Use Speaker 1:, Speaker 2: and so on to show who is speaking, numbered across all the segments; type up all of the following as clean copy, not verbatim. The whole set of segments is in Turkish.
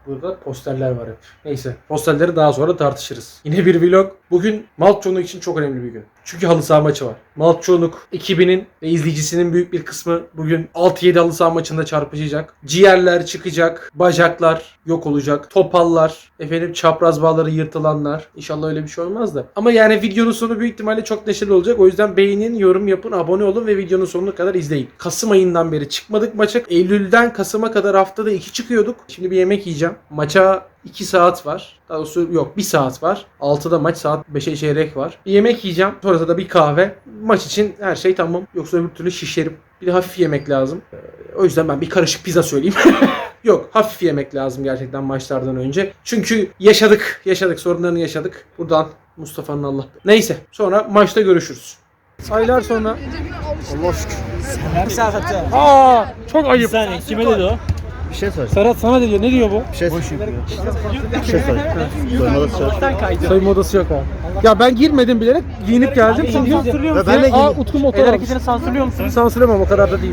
Speaker 1: Burada posterler var hep. Neyse posterleri daha sonra tartışırız. Yine bir vlog. Bugün Maltçoğunluk için çok önemli bir gün. Çünkü halı saha maçı var. Maltçoğunluk ekibinin ve izleyicisinin büyük bir kısmı bugün 6-7 halı saha maçında çarpışacak. Ciğerler çıkacak. Bacaklar yok olacak. Topallar. Çapraz bağları yırtılanlar. İnşallah öyle bir şey olmaz da. Ama yani videonun sonu büyük ihtimalle çok neşeli olacak. O yüzden beğenin, yorum yapın, abone olun ve videonun sonuna kadar izleyin. Kasım ayından beri çıkmadık maça. Eylül'den Kasım'a kadar haftada 2 çıkıyorduk. Şimdi bir yemek yiyeceğim. Maça 2 saat var. Daha doğrusu yok 1 saat var. 6'da maç, saat 5'e çeyrek var. Bir yemek yiyeceğim. Sonrasında da bir kahve. Maç için her şey tamam. Yoksa öbür türlü şişerim. Bir de hafif yemek lazım. O yüzden ben bir karışık pizza söyleyeyim. Yok, hafif yemek lazım gerçekten maçlardan önce. Çünkü yaşadık. Sorunlarını yaşadık. Buradan Mustafa'nın Allah. Neyse, sonra maçta görüşürüz. Aylar sonra. Allah şükür.
Speaker 2: Serhat'ı.
Speaker 1: Aa, çok ayıp.
Speaker 2: Sen kime dedi o?
Speaker 3: Bir şey sor.
Speaker 1: Serhat sana diyor. Ne diyor bu?
Speaker 3: Bir şey sor. Bir şey sor. Soymalı sor.
Speaker 1: Soyunma odası yok ha. Ya ben girmedim bilerek giyinip geldim. Sansürlüyor musun?
Speaker 3: Ben de
Speaker 1: Aa, Utku motor
Speaker 2: El
Speaker 1: almış.
Speaker 2: hareketini sansürlüyor musun?
Speaker 1: Sansürlemem, o kadar da değil.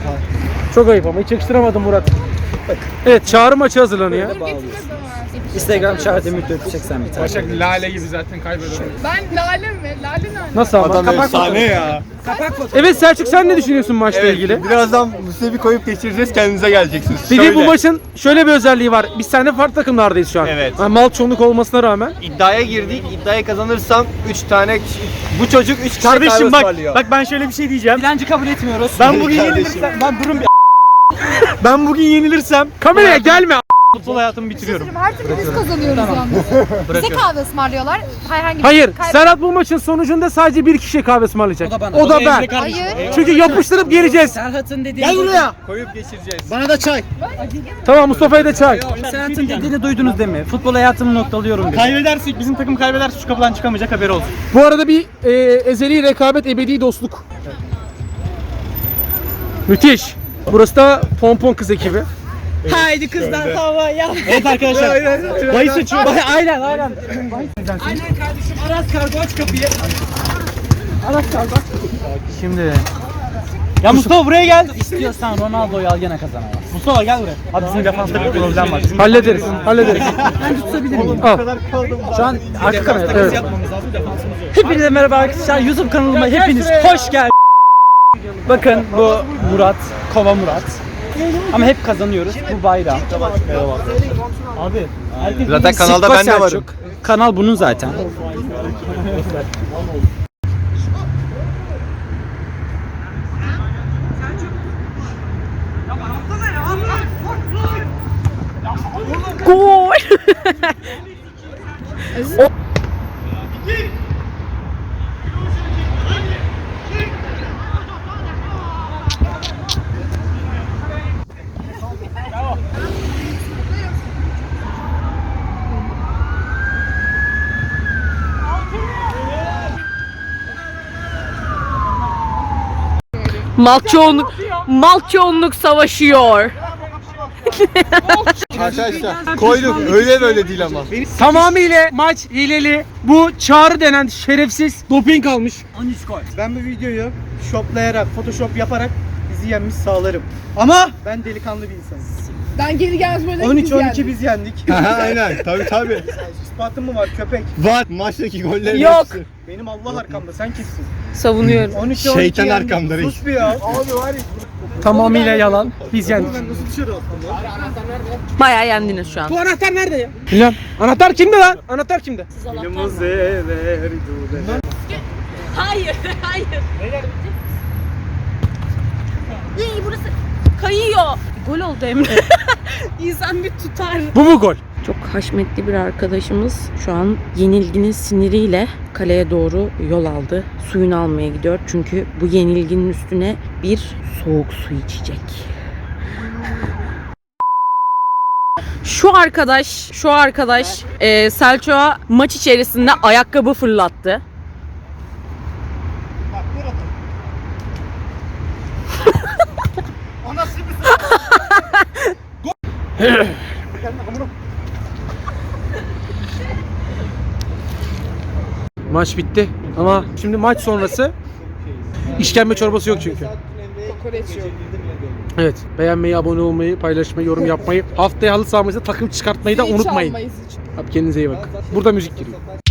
Speaker 1: Çok ayıp ama hiç yakıştıramadım Murat. Evet, çağrı maçı hazırlanıyor.
Speaker 2: Instagram çağrıda müddet çeksen bir tane.
Speaker 4: Başak Lale gibi zaten kaybeder.
Speaker 5: Ben Lale mi? Lale ne?
Speaker 1: Nasıl ama?
Speaker 3: Adam efsane ya.
Speaker 1: Evet Selçuk, sen ne düşünüyorsun maçla ilgili?
Speaker 3: Birazdan Mustafa koyup geçireceğiz, kendinize geleceksiniz.
Speaker 1: Bir de bu maçın şöyle bir özelliği var. Biz seninle farklı takımlardayız şu an.
Speaker 3: Evet.
Speaker 1: Yani Maltçoğunluk olmasına rağmen.
Speaker 3: İddiaya girdik. İddiayı kazanırsam 3 tane bu çocuk 3 kişi
Speaker 2: Kardeşim bak,
Speaker 3: ısmarlıyor.
Speaker 2: bak ben şöyle bir şey diyeceğim. Dilenci kabul etmiyoruz. Ben bugün
Speaker 3: Kardeşim.
Speaker 2: yenilirsem, ben durun bir ben bugün yenilirsem
Speaker 1: Kameraya gelme.
Speaker 2: futbol hayatımı bitiriyorum.
Speaker 5: Her türlü biz kazanıyoruz yalnız. Bize kahve ısmarlıyorlar. Herhangi bir
Speaker 1: Hayır,
Speaker 5: kay-
Speaker 1: Serhat bu maçın sonucunda sadece bir kişiye kahve ısmarlayacak. O da ben.
Speaker 5: Hayır.
Speaker 1: Çünkü yapıştırıp geleceğiz.
Speaker 2: Serhat'ın dediğini
Speaker 1: Gel buraya.
Speaker 3: Koyup geçireceğiz.
Speaker 2: Bana da çay.
Speaker 1: Tamam, Mustafa'ya da çay.
Speaker 2: Serhat'ın dediğini duydunuz değil mi? Futbol hayatımı noktalıyorum dedi. Kaybedersek, bizim takım kaybederse şu kapıdan çıkamayacak, haberi olsun.
Speaker 1: Bu arada bir ezeli rekabet, ebedi dostluk. Müthiş. Burası da Pompon kız ekibi.
Speaker 2: Haydi kızlar havaya. Evet arkadaşlar. Bahis açıyor. Aynen. Aynen kardeşim. Aras kargo, aç kapıyı. Aras kargo, aç kapıyı. Şimdi. Ya Mustafa buraya gel. İstiyorsan Ronaldo'yu al, gene kazanamaz. Mustafa gel buraya. Abi bizim defansta bir problem var.
Speaker 1: Hallederiz.
Speaker 2: Ben tutabilir miyim?
Speaker 1: Al.
Speaker 2: Şu an arka kamera.
Speaker 1: Evet.
Speaker 2: Yapmamız lazım, defansımız yok. Hepinize merhaba arkadaşlar. YouTube kanalıma hepiniz hoş geldiniz. Bakın bu Murat, Kova Murat. Ama hep kazanıyoruz. Bu bayram. Abi.
Speaker 3: Zaten kanalda ben de varım.
Speaker 2: Kanal bunun zaten.
Speaker 5: Gol. Maltçoğunluk savaşıyor.
Speaker 3: Arkadaşlar koyduk. Öyle böyle değil ama.
Speaker 1: Tamamıyla maç hileli. Bu Çağrı denen şerefsiz doping almış.
Speaker 2: 13 gol. Ben bu videoyu shoplayarak, photoshop yaparak bizi yenmiş sağlarım. Ama ben delikanlı bir insanım.
Speaker 5: Ben geri gelmez böyle
Speaker 2: 13-12 biz yendik.
Speaker 3: Aynen. Tabii.
Speaker 2: İspatın mı var köpek?
Speaker 3: Var. Maçtaki gollerin
Speaker 5: Yok.
Speaker 3: hepsi.
Speaker 2: Benim Allah arkamda, sen kimsin?
Speaker 5: Savunuyorum.
Speaker 2: 13-12
Speaker 3: Şeytan
Speaker 2: yendik.
Speaker 3: arkamda reis.
Speaker 2: Sus bir ya. Abi var ya.
Speaker 1: Tamamıyla yalan. Biz yendik.
Speaker 2: Ben nasıl dışarı attım ya?
Speaker 5: Bayağı yendiniz şu an.
Speaker 1: Bu anahtar nerede ya? Bilmem. Anahtar kimde lan? Anahtar kimde?
Speaker 5: Hayır. İyi burası kayıyor. Gol oldu Emre. İnsan bir tutar.
Speaker 1: Bu mu gol?
Speaker 6: Çok haşmetli bir arkadaşımız şu an yenilginin siniriyle kaleye doğru yol aldı. Suyunu almaya gidiyor. Çünkü bu yenilginin üstüne bir soğuk su içecek. Şu arkadaş Selçuk'a maç içerisinde ayakkabı fırlattı.
Speaker 1: Maç bitti ama şimdi maç sonrası işkembe çorbası yok çünkü. Evet. Beğenmeyi, abone olmayı, paylaşmayı, yorum yapmayı. Haftaya halı sahamızda takım çıkartmayı da unutmayın. Abi kendinize iyi bakın. Burada müzik giriyor.